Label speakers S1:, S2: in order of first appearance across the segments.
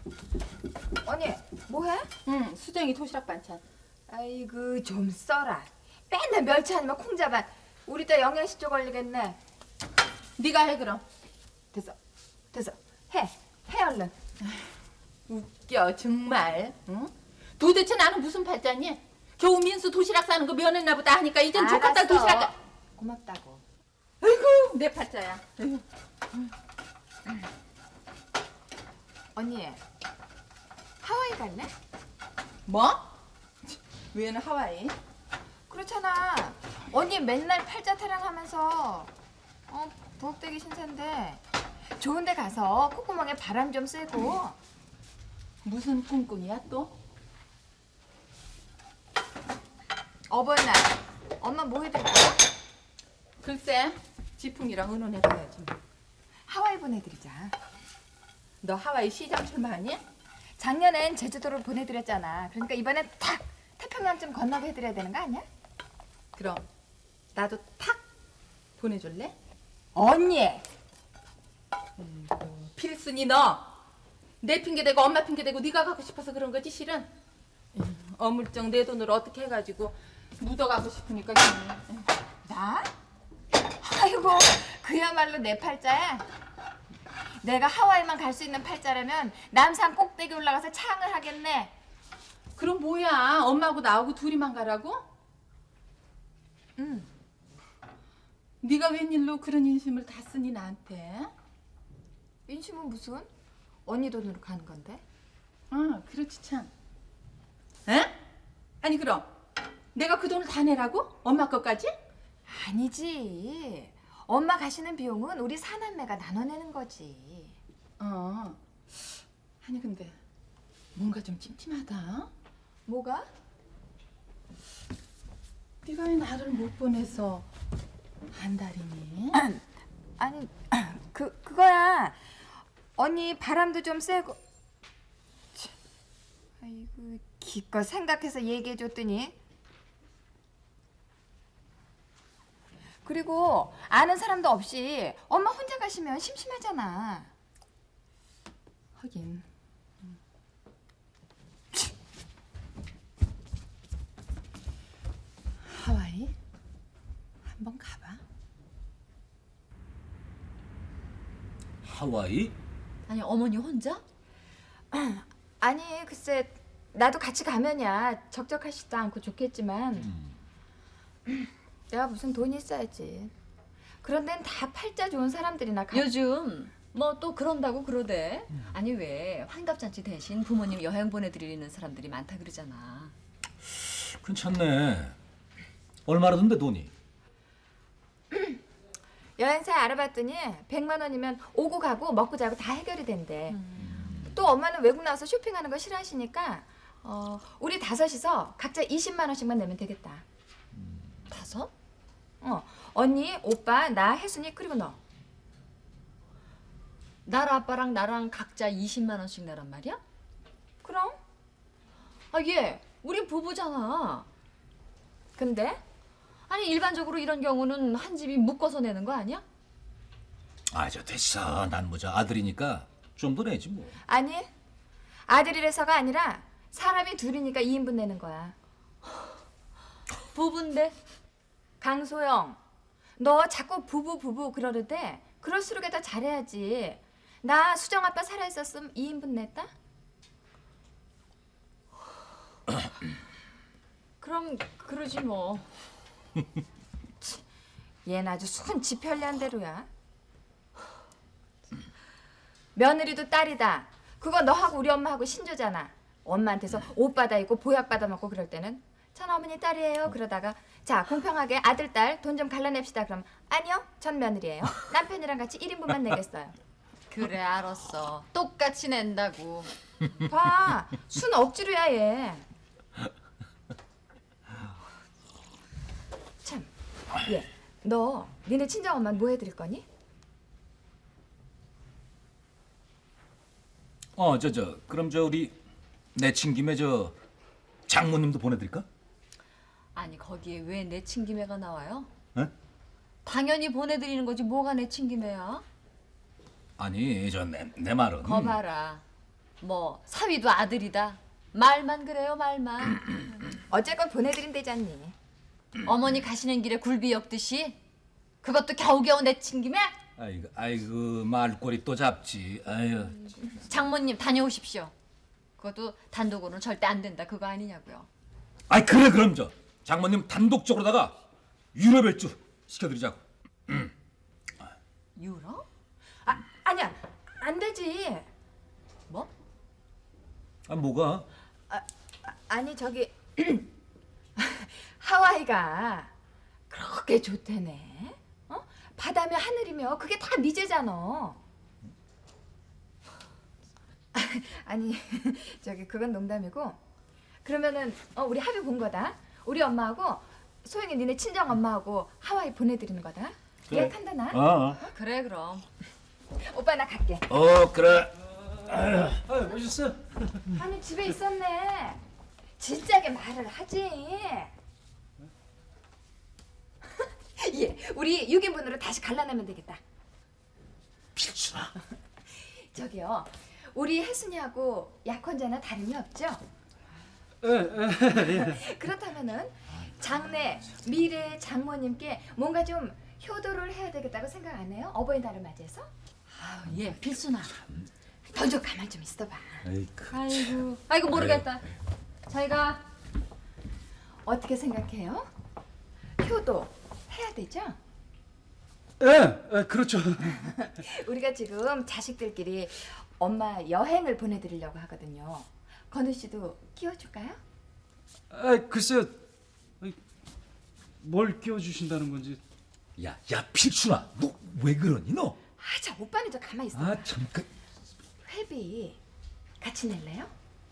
S1: 언니, 뭐해?
S2: 응, 수정이 도시락 반찬.
S1: 아이고, 좀 써라. 맨날 멸치 아니면 콩자반. 우리 딸 영양실조 걸리겠네.
S2: 네가 해 그럼.
S1: 됐어, 됐어. 해 얼른.
S2: 웃겨 정말. 응? 도대체 나는 무슨 팔자니? 겨우 민수 도시락 싸는 거 면했나 보다 하니까 이젠 조카딸
S1: 알았어.
S2: 도시락.
S1: 고맙다고.
S2: 아이고 내 팔자야. 아이고.
S1: 언니, 하와이 갈래?
S2: 뭐? 왜는 하와이?
S1: 그렇잖아. 언니 맨날 팔자 타령하면서 부엌대기 신세인데 좋은 데 가서 콧구멍에 바람 좀 쐬고.
S2: 무슨 꿍꿍이야 또?
S1: 어버이날 엄마 뭐 해드릴까?
S2: 글쎄 지풍이랑 의논해봐야지.
S1: 하와이 보내드리자.
S2: 너 하와이 시장 출마하니?
S1: 작년엔 제주도를 보내드렸잖아. 그러니까 이번엔 탁 태평양쯤 건너게 해드려야 되는 거 아니야?
S2: 그럼 나도 탁 보내줄래?
S1: 언니!
S2: 필순이 너 내 핑계대고 엄마 핑계대고 네가 가고 싶어서 그런 거지 실은. 어물쩡 내 돈으로 어떻게 해가지고 묻어가고 싶으니까.
S1: 나? 아이고, 그야말로 내 팔자야. 내가 하와이만 갈 수 있는 팔자라면 남산 꼭대기 올라가서 창을 하겠네.
S2: 그럼 뭐야 엄마하고 나하고 둘이만 가라고?
S1: 응.
S2: 네가 웬일로 그런 인심을 다 쓰니 나한테?
S1: 인심은 무슨? 언니 돈으로 가는 건데?
S2: 그렇지 참. 에? 아니 그럼 내가 그 돈을 다 내라고? 엄마 것까지?
S1: 아니지. 엄마 가시는 비용은 우리 사남매가 나눠내는 거지.
S2: 아니 근데 뭔가 좀 찜찜하다.
S1: 뭐가?
S2: 네가 왜 나를 못 보내서 한 달이니?
S1: 아니, 그거야. 언니 바람도 좀 쐬고. 참, 아이고, 기껏 생각해서 얘기해줬더니. 그리고 아는 사람도 없이 엄마 혼자 가시면 심심하잖아.
S2: 하긴. 하와이 한번 가봐.
S3: 하와이?
S4: 아니 어머니 혼자?
S1: 아니, 글쎄, 나도 같이 가면야 적적하지도 않고 좋겠지만 내가 무슨 돈이 있어야지. 그런 데는 다 팔자 좋은 사람들이나 가.
S4: 요즘 뭐 또 그런다고 그러대. 아니 왜 환갑잔치 대신 부모님 여행 보내드리는 사람들이 많다 그러잖아.
S3: 괜찮네. 얼마나 든데 돈이?
S1: 여행사에 알아봤더니 100만 원이면 오고 가고 먹고 자고 다 해결이 된대. 또 엄마는 외국 나와서 쇼핑하는 거 싫어하시니까 우리 다섯이서 각자 20만 원씩만 내면 되겠다.
S4: 다섯?
S1: 언니, 오빠, 나, 혜순이 그리고 너.
S4: 나랑 아빠랑 나랑 각자 20만 원씩 내란 말이야?
S1: 그럼?
S4: 아 얘 우리 부부잖아.
S1: 근데?
S4: 아니 일반적으로 이런 경우는 한 집이 묶어서 내는 거 아니야?
S3: 저 됐어. 난 뭐 저 아들이니까 좀 더 내지 뭐.
S1: 아니, 아들이라서가 아니라 사람이 둘이니까 2인분 내는 거야.
S4: 부부인데?
S1: 강소영, 너 자꾸 부부 그러는데 그럴수록 더 잘해야지. 나 수정 아빠 살아있었으면 2인분 냈다?
S4: 그럼 그러지 뭐.
S1: 얘는 아주 순치 편리한 대로야. 며느리도 딸이다. 그거 너하고 우리 엄마하고 신조잖아. 엄마한테서 옷 받아 입고 보약 받아 먹고 그럴 때는 전 어머니 딸이에요. 그러다가 자 공평하게 아들 딸 돈 좀 갈라냅시다. 그럼 아니요, 전 며느리예요. 남편이랑 같이 1인분만 내겠어요.
S4: 그래 알았어. 똑같이 낸다고.
S1: 봐, 순 억지로야 얘. 참, 얘, 너 니네 친정 엄마는 뭐 해드릴 거니?
S3: 그럼 우리 내친 김에 장모님도 보내드릴까?
S4: 아니 거기에 왜 내친김에가 나와요?
S3: 에?
S4: 당연히 보내드리는 거지 뭐가 내친김에야?
S3: 아니 내 말은.
S4: 거 봐라. 뭐 사위도 아들이다. 말만 그래요, 말만.
S1: 어쨌건 보내드린대잖니.
S4: 어머니 가시는 길에 굴비 엮듯이 그것도 겨우겨우 내친 김에
S3: 아이고 말꼬리 또 잡지. 아유.
S4: 장모님 다녀오십시오. 그것도 단독으로는 절대 안 된다 그거 아니냐고요.
S3: 아이 그래 그럼 저 장모님 단독적으로다가 유럽 일주 시켜드리자고.
S4: 유럽?
S1: 아니야, 안 되지.
S4: 뭐?
S3: 아 뭐가?
S1: 아니 저기 하와이가 그렇게 좋대네. 어? 바다며 하늘이며 그게 다 미제잖아. 아니 저기 그건 농담이고. 그러면은 우리 합의 본 거다. 우리 엄마하고 소영이 니네 친정 엄마하고 하와이 보내드리는 거다.
S3: 그래.
S1: 예약한다 나.
S4: 그래 그럼.
S1: 오빠 나 갈게.
S3: 그래.
S5: 아유, 오셨어?
S1: 아니 집에 있었네. 진작에 말을 하지. 예, 우리 6인분으로 다시 갈라내면 되겠다.
S3: 필순아.
S1: 저기요, 우리 혜순이하고 약혼자나 다름이 없죠? 그렇다면은 장래 미래 장모님께 뭔가 좀 효도를 해야 되겠다고 생각 안 해요? 어버이날을 맞이해서?
S4: 예, 필순아.
S1: 너 좀 가만 좀 있어봐.
S4: 아이고 모르겠다. 자기가
S1: 어떻게 생각해요? 효도 해야 되죠?
S5: 그렇죠.
S1: 우리가 지금 자식들끼리 엄마 여행을 보내드리려고 하거든요. 건우 씨도 끼워줄까요?
S5: 글쎄요. 뭘 끼워주신다는 건지.
S3: 야 필순아, 너 왜 그러니 너?
S1: 자 오빠는 저 가만 있어.
S3: 참
S1: 회비 같이 낼래요?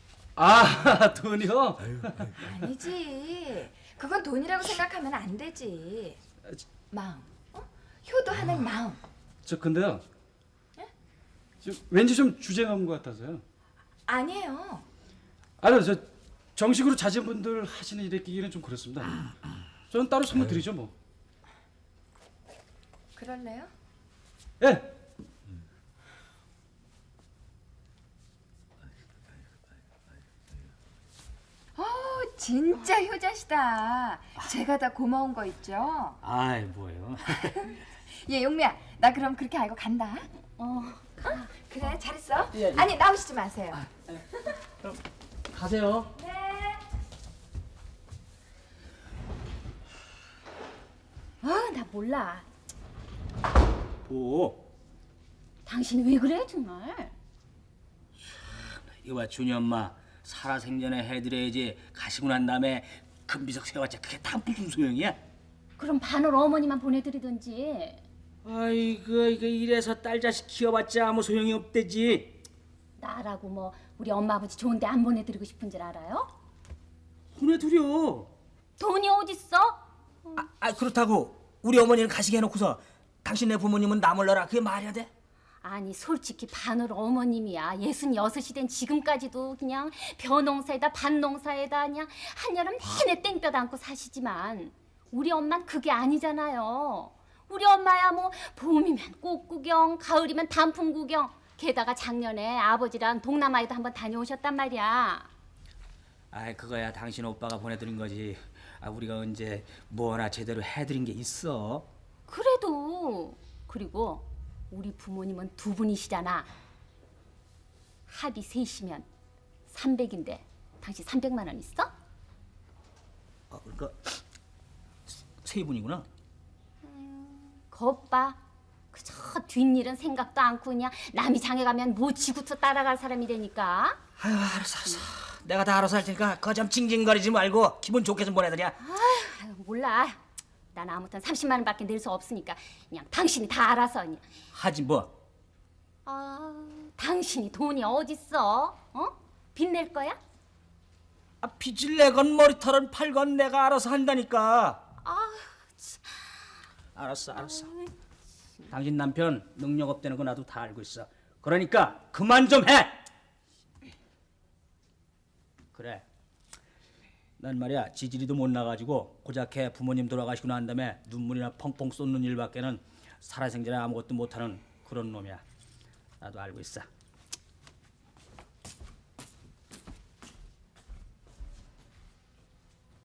S5: 돈이요?
S1: 아니지. 그건 돈이라고 생각하면 안 되지. 마음. 효도하는 마음.
S5: 저 근데요. 왠지 좀 주제가 없는 것 같아서요.
S1: 아니에요.
S5: 아니요, 저 정식으로 자제분들 하시는 일에 끼기는 좀 그렇습니다. 저는 따로 선물 드리죠 뭐.
S1: 그럴래요?
S5: 예.
S1: 진짜 효자시다. 제가 다 고마운 거 있죠?
S6: 아이 뭐예요?
S1: 예, 용미야. 나 그럼 그렇게 알고 간다. 그래, 잘했어. 아니, 나오시지 마세요.
S6: 가세요.
S1: 네. 나 몰라.
S6: 뭐?
S7: 당신이 왜 그래 정말?
S6: 이거 봐 준이 엄마 살아생전에 해드려야지 가시고 난 다음에 금비석 세워봤자 그게 다 무슨 소용이야?
S7: 그럼 반을 어머니만 보내드리든지.
S6: 아이고 이거 이래서 딸 자식 키워봤자 아무 소용이 없대지.
S7: 나라고 뭐 우리 엄마 아버지 좋은데 안 보내드리고 싶은 줄 알아요?
S6: 보내드려.
S7: 돈이 어딨어?
S8: 그렇다고 우리 어머니는 가시게 해놓고서 당신네 부모님은 나 몰라라 그게 말이야 돼?
S7: 아니 솔직히 반을 어머님이야 66이 된 지금까지도 그냥 벼농사에다 밭농사에다 그냥 한여름 내내 땡볕 안고 사시지만 우리 엄만 그게 아니잖아요. 우리 엄마야 뭐 봄이면 꽃 구경, 가을이면 단풍 구경, 게다가 작년에 아버지랑 동남아에도 한번 다녀오셨단 말이야.
S6: 아이 그거야 당신 오빠가 보내드린 거지. 우리가 언제 뭐 하나 제대로 해드린 게 있어?
S7: 그래도 그리고 우리 부모님은 두 분이시잖아. 합이 셋이면 300인데 당신 300만 원 있어?
S6: 그러니까 세 분이구나.
S7: 겉봐. 그저 뒷일은 생각도 않고 그냥 남이 장에 가면 뭐 지구터 따라갈 사람이 되니까.
S8: 아유 알았어 내가 다 알아서 할 테니까 그거 좀 징징거리지 말고 기분 좋게 좀 보내드려.
S7: 아유, 몰라. 난 아무튼 30만 원밖에 낼 수 없으니까 그냥 당신이 다 알아서 그냥.
S6: 하지 뭐.
S7: 당신이 돈이 어딨어? 빚낼 거야?
S8: 빚을 내건 머리털은 팔건 내가 알아서 한다니까.
S6: 알았어. 당신 남편 능력 없다는 거 나도 다 알고 있어. 그러니까 그만 좀 해. 그래. 난 말이야 지지리도 못 나가지고 고작해 부모님 돌아가시고 난 다음에 눈물이나 펑펑 쏟는 일밖에는 살아생전에 아무것도 못하는 그런 놈이야. 나도 알고 있어.